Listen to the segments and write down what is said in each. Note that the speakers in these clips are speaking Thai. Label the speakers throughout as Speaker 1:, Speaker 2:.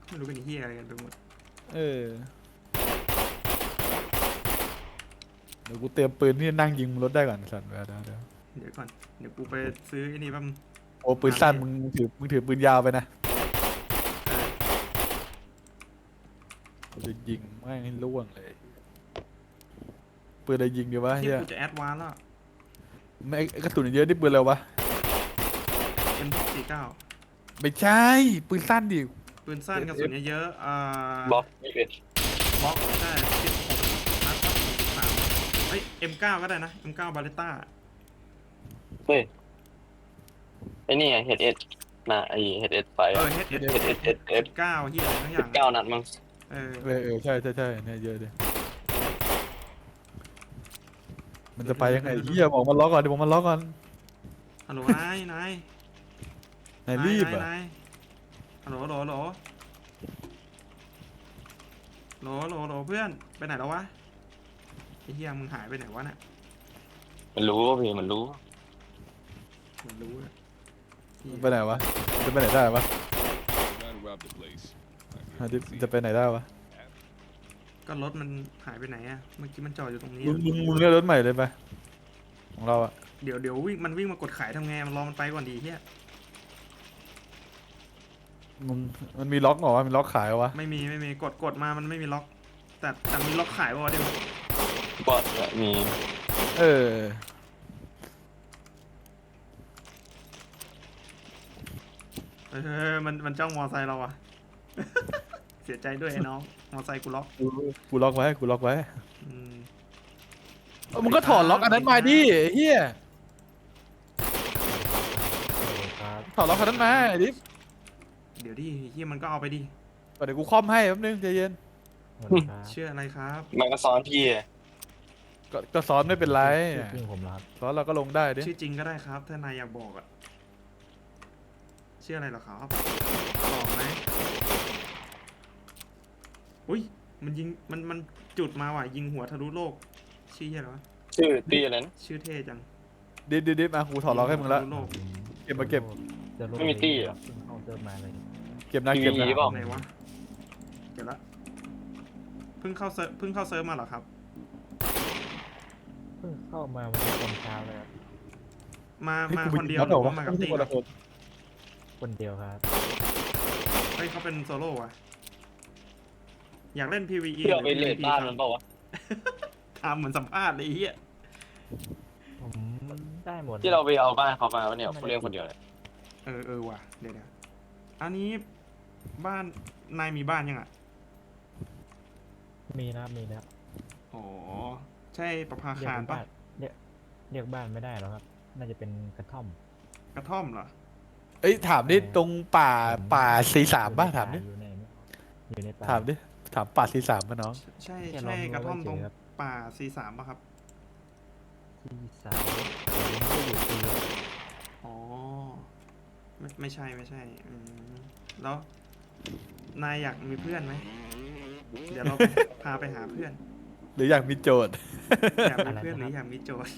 Speaker 1: ไม่รู้เป็นเฮียอะไรกันไปหมด
Speaker 2: เดี๋ยวกูเตรียมปืนที่นั่งยิงรถได้ก่อนสัตว์เดี๋ยว
Speaker 1: เดี๋ยวก่อนเดี๋ยวกูไปซื้อไอ้นี่แป๊บนึง
Speaker 2: โอ้ปืนสั้นมึงถือปืนยาวไปนะจะยิงไม่ให้ล่วงเลยปืนอะไรยิงดีวะเฮี
Speaker 1: ที่
Speaker 2: ย
Speaker 1: กูจะแอดวานซ์แล้ว
Speaker 2: ไม่กระสุนเยอะนี่ปืนอะไรวะ
Speaker 1: M249
Speaker 2: ไม่ใช่ปืนสั้นดิ
Speaker 1: ปืนสั้นกระสุนเยอะ
Speaker 3: บล็อก21
Speaker 1: บล็อกได้16นัดก็63เฮ้ย M9 ก็ได้นะ M9 บาเลต้า
Speaker 3: เฮ้ยไอ้นี่ไงเฮดเอสนะไอเฮดเอสไฟ
Speaker 1: HS 9เฮียอะไรทั้งอย่าง
Speaker 3: 9 นัดมั้ง
Speaker 2: ใช่เนี่ยเยอะดิมันจะไปยังไงเฮียบอกมันล็อกก่อนดิบอกมันล็อกก่อน
Speaker 1: ฮัลโหลนาย
Speaker 2: นายรีบอ่ะ
Speaker 1: นายฮัลโหลโหลเพื่อนไปไหนแล้ววะไอ้เฮียมึงหายไปไหนวะน่ะ
Speaker 3: มันรู้ว่าพี่มันรู้
Speaker 1: มันรู้อะ
Speaker 2: ไปไหนวะจะไปไหนได้วะจะไปไหนได้วะ
Speaker 1: ก็รถมันหายไปไหนอะเมื่อกี้มันจอดอยู่ตรงนี้
Speaker 2: มึงเลือกรถใหม่เลยไปของเราอะ
Speaker 1: เดี๋ยววิ่งมากดขายทำไงมันรอมันไปก่อนดีเฮีย
Speaker 2: มันมีล็อกเหรอวะมีล็อกขายเหรอวะ
Speaker 1: ไม่มีกดมามันไม่มีล็อกแต่มีล็อกขายป่ะวะเดี๋ยว
Speaker 3: ก็มี
Speaker 2: เออ
Speaker 1: มันจ้องมอไซค์เราอะ เสียใจด้วยไอ้น้องมอไซค์กูล็อก
Speaker 2: กูล็อกไว้
Speaker 1: อืม
Speaker 2: มึงก็ถอดล็อกอันนั้นมาดิเฮียถอดล็อกอันนั้นมาดิ
Speaker 1: เดี๋ยวดิเฮียมันก็เอาไปดิ
Speaker 2: เดี๋ยวกูคอมให้แป๊บนึงใจเย็น
Speaker 1: เชื่ออะไรครับ
Speaker 3: มันก็ซ้อนพี่
Speaker 2: ก็ซ้อนไม่เป็นไร
Speaker 4: จริงผมรับ
Speaker 2: ซ้อนเราก็ลงได้ดิ
Speaker 1: ชื่อจริงก็ได้ครับถ้านายอยากบอกอะชื่ออะไรเหรอครับบอกไหมอุ้ยมันยิงมันจุดมาว่ะยิงหัวทะลุโลกชื่อเฮียอะไรวะ
Speaker 3: ชื่อตี้อะไรนะ
Speaker 1: ชื่อเท่จัง
Speaker 2: ดิบมากูถอดล็อกให้มึงละ
Speaker 1: ทะลุโลก
Speaker 2: เก็บมาเก็บ
Speaker 3: ไม่มีตี้อ่ะ
Speaker 4: เข้าเติมมาเลย
Speaker 2: เก็บนะเก็บนะ
Speaker 3: มีเปล่า
Speaker 1: ไหนวะเดี๋ยวละเพิ่งเข้าเซิร์ฟมาเหรอครับ
Speaker 4: เพิ่งเข้ามาวันนี้ตอนเช้าเลยครับ
Speaker 1: มาคนเดียวหรือว่ามากับตีครับ
Speaker 4: คนเดียวครับ
Speaker 1: เฮ้ยเขาเป็นโซโล่อะอยากเล่น PVE
Speaker 3: ที่เราไป
Speaker 1: หรือ
Speaker 3: เลด
Speaker 1: PVP
Speaker 3: บ้าน
Speaker 1: ค
Speaker 3: มั
Speaker 1: รับ
Speaker 3: นเปล่าวะ
Speaker 1: ทำเหมือนสัมภาษณ์เลยไอ้เฮีย
Speaker 4: ผมได้หมด
Speaker 3: ที่เราไปเอาบ้านเขามาเนี่ยเขาเรียกคนเดียวเลย
Speaker 1: เออว่ะเดี๋ยวอันนี้บ้านนายมีบ้านยังอ่ะ
Speaker 4: มีแล้ว
Speaker 1: อ๋อใช่ประภา
Speaker 4: เรีย
Speaker 1: คาร
Speaker 4: ก
Speaker 1: ปะ
Speaker 4: บ้านเรียกบ้านไม่ได้หรอกครับ น่าจะเป็นกระท่อม
Speaker 1: กระท่อมเหรอ
Speaker 2: เอ้ยถามดิตรงป่าC3ป่ะถามดิ
Speaker 4: อยู่ในป่า
Speaker 2: ถามดิถามป่าC3ป่ะน้อง
Speaker 1: ใช่
Speaker 4: แค่ล้อม
Speaker 1: กระท่อมตรง
Speaker 4: รั้วไว้เฉยครับ
Speaker 1: ป่า C3 ป่ะครับ
Speaker 4: ที่สามไม่ได้อยู่ที่
Speaker 1: อ๋อไม่ใช่แล้วนายอยากมีเพื่อนไหมเดี๋ยวเรา พาไปหาเพื่อน
Speaker 2: หรืออยากมีโจทย์
Speaker 1: อยากมีเพื่อนหรืออยากมีโจทย์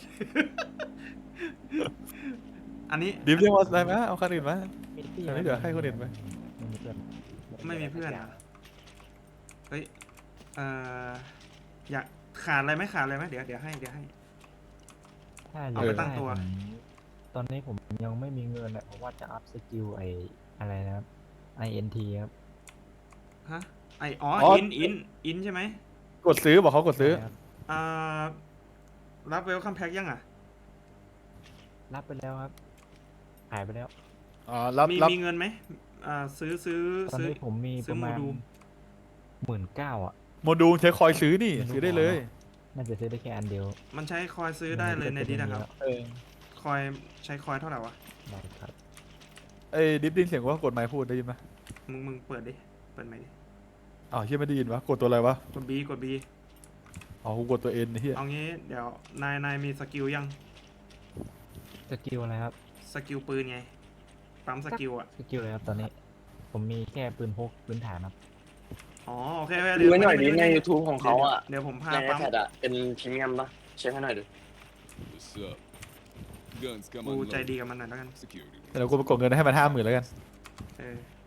Speaker 1: อันนี้
Speaker 2: ดิฟเรียกว่าอะไรไหมเอาคันอื่นไหม
Speaker 4: มีที่
Speaker 2: อันนี้เดี๋ยวให้คนอื่นไป
Speaker 4: ไม่มีเพื่อน
Speaker 1: ไม่มีเพื่อนอ่ะเฮ้ยอยากขาดอะไรไหมเดี๋ยวให้
Speaker 4: ถ้า
Speaker 1: เอาไปตั้งตัว
Speaker 4: ตอนนี้ผมยังไม่มีเงินเลยเพราะว่าจะอัพสกิลอะไรนะครับ INT ครับ
Speaker 1: ฮะอินใช่ไหม
Speaker 2: กดซื้อบอกเขากดซื้อ
Speaker 4: ใช่ครับ
Speaker 1: อ่ารับเวลคัมแพ็กยังอ่ะ
Speaker 4: รับไปแล้วครับขายไปแล้ว
Speaker 2: อ๋อรับ
Speaker 1: มีเงินไหมซื้อ
Speaker 4: ตอนนี้ผมมี
Speaker 1: ซื้
Speaker 4: ป
Speaker 1: อ
Speaker 4: ระมาณ
Speaker 1: โมดูล
Speaker 4: 19,000อ่ะ
Speaker 2: โมดูลใช้คอยซื้อนี่ซื้อได้เลย
Speaker 4: น่าจะซื้อได้แค่อันเดียว
Speaker 1: มันใช้คอยซื้อได้เลยในนี้นะครับ คอยใช้คอยเท่าไหร่วะ
Speaker 4: ได้ครับ
Speaker 2: ไอ้ดิฟดินเสียงว่ากดไมค์พูดได้ยินไหม
Speaker 1: มึงเปิดดิเปิดไหมค์ดิ
Speaker 2: อ้าวเฮียไม่ได้ยินวะกดตัวอะไรวะ
Speaker 1: กด B
Speaker 2: อ๋อกูกดตัวเอ็นเฮีย
Speaker 1: เอางี้เดี๋ยวนายมีสกิลยัง
Speaker 4: สกิลอะไรครับ
Speaker 1: สกิลปืนไงปั๊มสกิลอ่ะ
Speaker 4: สกิลอะไรครับตอนนี้ ผมมีแค่ปืนพกพื้นฐานครับ
Speaker 1: อ๋อโอเค
Speaker 3: ดูไว้หน่อยดิใน YouTube ของเขาอ่ะ
Speaker 1: เดี๋ยวผมพา
Speaker 3: ใน
Speaker 1: ปั๊ม
Speaker 3: iPad อ่ะเป็นพรีเมียมปะเช็คให้หน่อยดิ
Speaker 5: What's up? Guns come
Speaker 1: กูใจ
Speaker 5: unloaded.
Speaker 1: ดีกับมันหน่อยแล้วกัน
Speaker 5: Security.
Speaker 2: เดี๋ยวกูไปกดเงินให้มัน50,000แล้วกัน
Speaker 1: เออ